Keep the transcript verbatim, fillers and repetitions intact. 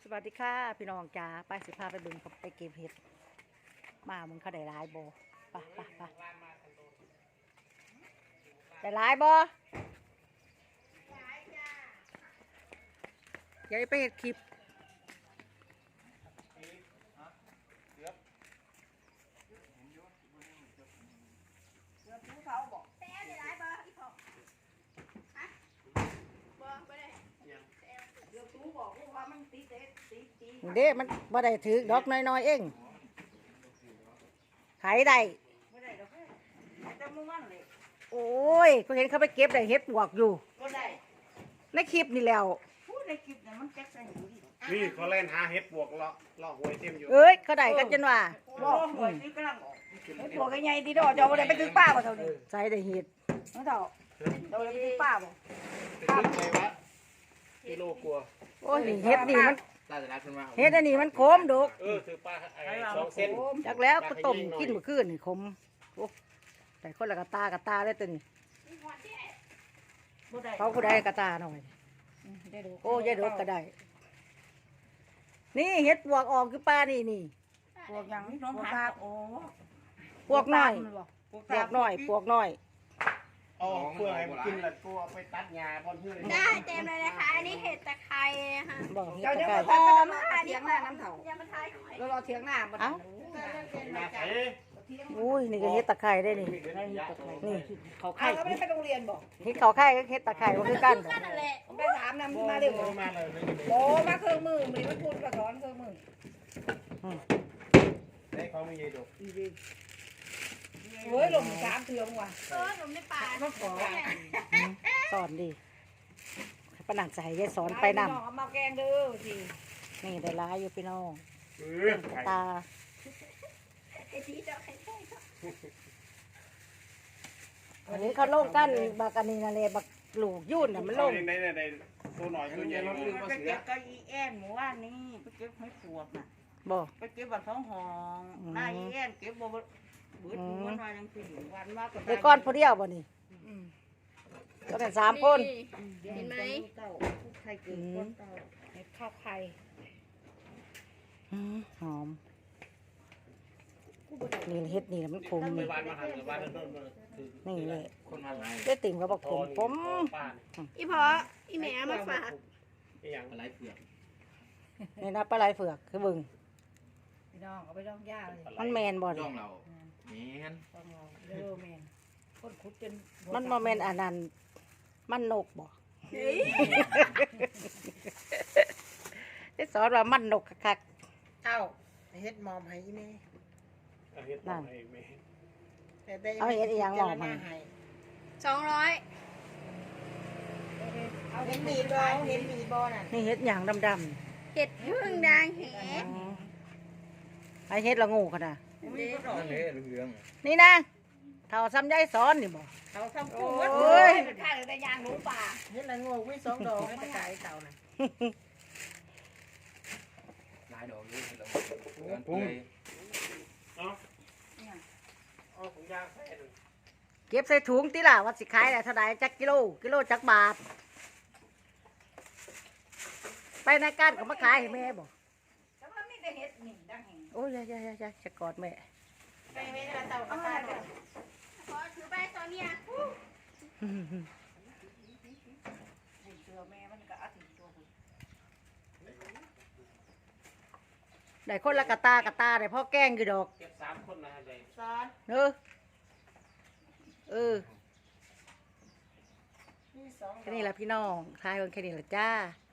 สวัสดีค่ะพี่น้องจ๋าไปสิพาไปบึงกับไปเก็บเห็ดมามึงเขาได้หลายบ่ไปไปไปได้หลายบ่ยายไปเห็ดคลิปเด้มันบ่ได้ถือดอกน้อยๆเองขายได้โอ้ยก็เห็นเขาไปเก็บได้เห็ดปวกอยู่ในคลิปนี่แล้วนี่เขาเล่นหาเห็ดบวกเลาะเลาะหวยเต็มอยู่เอ้ยเขาได้กันจนว่าหวยนี่กำลังออกเห็ดปวกใหญ่ดีดอกเจ้าบ่ได้ไปถึงป้าบ่เท่านี้ใส่ได้เห็ดน้องเจ้าเจ้าบ่ได้ไปถึงป้าบ่ป้าไปวะกิโลกลัวโอ้ยเห็ดนี่มันเห็ดอันนี้มันขมดกเออถือป้าไอ้สองเส้นจากแล้วก็ต้มกินเมื่อคืนนี่ขมโอ้แต่คนละกระตากระตาเลยตัวนี้เขาก็ได้กระตาหน่อยโอ้ยายดกก็ได้นี่เห็ดปวกออกคือป้านี่นี่ปวกยังน้องพักโอ้ปวกน้อยปวกน้อยปวกน้อยอ๋อเพื่อให้กินแล้วกูเอาไปตัดหญ้าพอนเพื่อนได้เต็มเลยนะคะอันนี้เห็ดตะไคร้นะคะบอกเห็ดเจ้าตะเดี๋ยวไคร้พอมาเถียงหน้าน้ำเถาอย่ามาทายหอยเรารอเถียงหน้าบ่เอ้ามาใส่อุ้ยนี่ก็เห็ดตะไคร้ได้นี่นี่เขาใครไข่ก็ไม่ได้ไปโรงเรียนบอกเห็ดเขาไข่ก็เห็ดตะไคร้ก็คือกันนั่นแหละผมไปถามนำมาเร็วมาเลยโอ้มาเครื่องมือมีมันพูดกระถอนเครื่องมือได้เขาไม่ยีดกโอ้ยลงสามเทือมว่ะเออหนุ่มในป่ามาขอสอนดิปนัดใส่ยายสอนไปนำเอามาแกงเด้อสินี่ได้ร้ายอยู่พี่น้องเออตาไอ้ที่เจ้าไอ้ไส้อันนี้เขาโล่งกันบักอันนี้นั่นแหละบักลูกยุ่นน่ะมันโล่งได้ได้ได้ตัวหน่อยตัวใหญ่เราลืมไปเก็บก็อีแอนหมู่บ้านนี่ไปเก็บให้ปวดน่ะบ่ไปเก็บบัตรท้องหองนายแอนเก็บบ่เบิดมันมายังสิวันมากก็เด็กก้อนผู้เดียวบ่นี่ก็เป็นสามคนเห็นไหมเต้าไข่เกิดก้นเต้าเห็ดข้าวไข่อืมหอมนี่เฮ็ดนี่มันขมไปนี่บ้านมาหันกับบ้านนั่นนู่นมานี่เลยคนมาไหนได้ติ่มก็บอกขมผมป้าอีพออีแม่มาฝากไอ้ยังอะไรเผือกนี่นะปลาไหลเผือกคือบึงพี่น้องเอาไปดองย่าเลยมันแมนบ่ย่นี่องเราแมนต้องเอาเด้อแม่นคนขุดจนมันบ่แมนอันนั้นมันนกบ่เฮ้ยได้สอนว่ามันนกคักเต้าเฮ็ดมอมให้แม่เห็ดบอกให้แม่แต่ได้เอาเฮ็ดอีหยังหมอมันสองร้อยเอาเห็นมีบ่เห็นมีบ่น่ะนี่เฮ็ดหยังดำเห็ดพึ่งด่างแหๆไอเฮ็ดละงูขนาดมีก็ดอกนั่นเลยเหลืองนี่นะเท่าซ้ำยายสอนนี่บ่เขาทำกุ้งวัดโอ้ยเป็นข้าแต่ยางหนูป่าเฮ็ดละงูวิสองดอกไม่ตะไคร้เต่าน่ะลายดอกเลยเราปุ้งเอาเอาถุงยางใส่หนึ่งเก็บใส่ถุงติล่ะว่าสิขายได้เท่าใดจักกิโลกิโลจักบาท ไปในการก็มาขายให้แม่บ่แต่ว่ามีแต่เฮ็ดนี่ดังแห่งโอ้ยยายๆๆจะกอดแม่ไปแม่ละเต่าก็ตายเด้อพอถือไปตอนเนี้ยเสือแม่มันก็อาทิตย์ตัวพุ่นได้คนละกะตากะตาได้พ่อแกล้งอยู่ดอกเก็บสามคนนะเลยซ้อนเออเออมีสองดแค่อกนี้แหละพี่น้องทายวันแค่นี้แหละจ้า